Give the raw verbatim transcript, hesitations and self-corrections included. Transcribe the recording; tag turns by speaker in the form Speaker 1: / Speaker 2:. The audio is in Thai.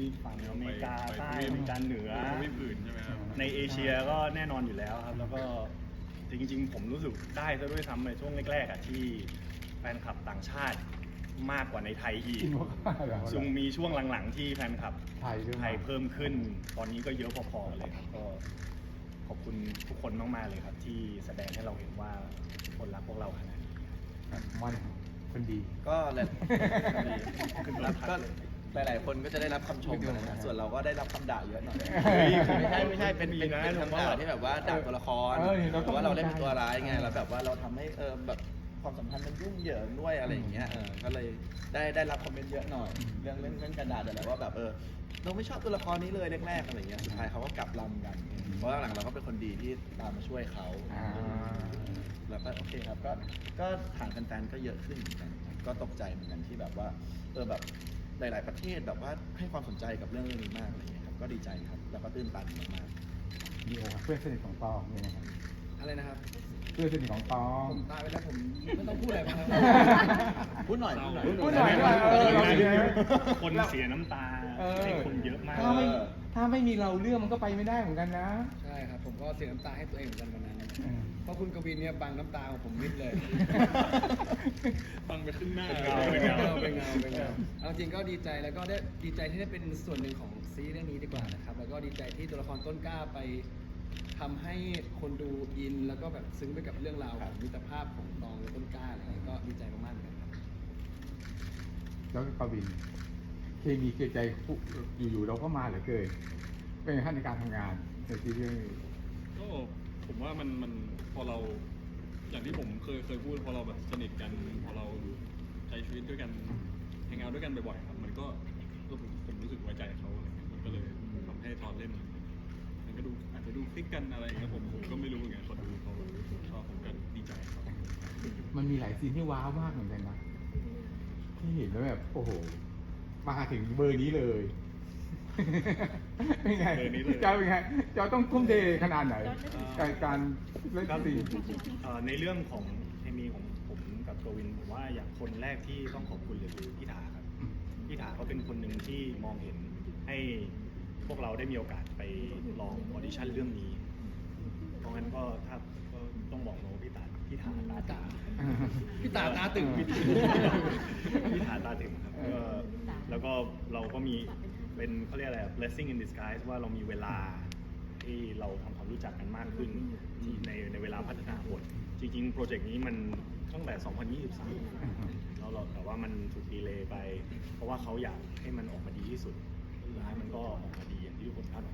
Speaker 1: ฝั่งอเมริกาใต้อเมริกาเหนือทวีปอื่นใช่ไหมครับในเอเชียก็แน่นอนอยู่แล้วครับแล้วก็จริงๆผมรู้สึกได้ซะด้วยซ้ำในช่วงแรกๆอ่ะที่แฟนคลับต่างชาติมากกว่าในไทยอีกซึ่งมีช่วงหลังๆที่แฟนคลับไทยไทยเพิ่มขึ้นตอนนี้ก็เยอะพอๆเลยครับก็ขอบคุณทุกคนมากๆเลยครับที่แสดงให้เราเห็นว่าทุกคนรักพวกเราขนาดนี้
Speaker 2: มันคนดี
Speaker 3: ก็หลายก็หลายๆคนก็จะได้รับคำชมนะส่วนเราก็ได้รับคำด่าเยอะหน่อยไม่ใช่ไม่ใช่เป็นเป็นเป็นคำด่าที่แบบว่าด่าตัวละครเพราะว่าเราเล่นเป็นตัวร้ายไงแล้วแบบว่าเราทำให้เออแบบความสัมพันธ์มันยุ่งเหยิงด้วยอะไรอย่างเงี้ยเออก็เลยได้ได้รับคอมเมนต์เยอะหน่อยเรื่องเรื่องเรื่องการด่าแต่ว่าแบบเออเราไม่ชอบตัวละครนี้เลยแรกๆอะไรเงี้ยสุดท้ายเขาก็กลับลำกันเพราะหลังเราก็เป็นคนดีที่ตามมาช่วยเขาแล้วก็โอเคครับก็ก็ฐานแฟนๆก็เยอะขึ้นเหมือนกันก็ตกใจเหมือนกันที่แบบว่าเออแบบหลายๆประเทศแบบว่าให้ความสนใจกับเรื่องนี้มากอะไรเงี้ยครับก็ดีใจครับแล้วก็ตื้นตันมาก
Speaker 2: ๆดีครับเพื่อนสนิทของตองเนี่ยนะครับ
Speaker 3: อะไรนะครับ
Speaker 2: เพื่อนสนิทของตอง
Speaker 3: ผมตายไปแล้วผมไม่ต้องพูดอะไรบ้างพูดหน่อยพูดหน่อย
Speaker 2: พูดหน่อย
Speaker 1: คนเสียน้ำตาให้คนเยอะมาก
Speaker 2: ถ้าไม่ถ้าไม่มีเราเรื่องมันก็ไปไม่ได้เหมือนกันนะ
Speaker 4: ใช่ครับผมก็เสียน้ำตาให้ตัวเองเหมือนกันวันนั้นเพราะคุณกวินเนี่ยบังน้ำตาของผมมิดเลย
Speaker 1: บังไปขึ้นหน้า
Speaker 4: เป็นเงาเป็นเงาเป็นเงาเอาจริงก็ดีใจแล้วก็ได้ดีใจที่ได้เป็นส่วนหนึ่งของซีรีส์เรื่องนี้ดีกว่านะครับแล้วก็ดีใจที่ตัวละครต้นกล้าไปทำให้คนดูอินแล้วก็แบบซึ้งไปกับเรื่องราวของมิตรภาพของตองและต้นกล้าอะไรอย่างเงี้ยก็ดีใจมากๆเหมือนกันครับ
Speaker 2: แล้วก็กวินเคมีเกลียดใจอยู่ๆเราก็มาเหลือเกินเป็นขั้นในการทำงานในซีรีส์
Speaker 5: ก็ผมว่ามันมันพอเราอย่างที่ผมเคยเคยพูดพอเราแบบสนิทกันพอเราใช้ชีวิตด้วยกันแฮงเอาท์ด้วยกันบ่อยๆครับมันก็ผมผมรู้สึกไว้ใจเขาอะไรเงี้ยมันก็เลยทำให้ตอนเล่นมันก็ดูอาจจะดูคลิกกันอะไรเงี้ยผมผมก็ไม่รู้เหมือนกันคนดูเขาชอบผมก็ดีใจครับ
Speaker 2: มันมีหลายซีนที่ว้าวมากเหมือนกันนะที่เห็นแล้วแบบโอ้โหมาถึงเบอร์นี้เลยเป็นไงเจ้าเป็นไงเจ้าต้องทุ่มเทขนาดไหนการการเล่นซีน
Speaker 1: ในเรื่องของเคมีของผมกับกวินผมว่าอย่างคนแรกที่ต้องขอบคุณเลยคือพี่ถาครับพี่ถาเขาเป็นคนหนึ่งที่มองเห็นให้พวกเราได้มีโอกาสไปลองออดิชั่นเรื่องนี้เพราะงั้นก็ถ้าก็ต้องบอกโน้พี่ตาพี่ถาตาตา
Speaker 4: พี่ตาตาตึง
Speaker 1: พี่ถาตาตึงครับแล้วก็เราก็มีเป็นเขาเรียกอะไร blessing in disguise ว่าเรามีเวลาที่เราทำความรู้จักกันมากขึ้นที่ในในเวลาพัฒนาบทจริงๆโปรเจกต์นี้มันตั้งแต่สองพันยี่สิบสามแล้วเราแต่ว่ามันถูกดีเลย์ไปเพราะว่าเขาอยากให้มันออกมาดีที่สุดสุดท้ายมันก็ออกมาดีอย่างที่ทุกคนคาดหวัง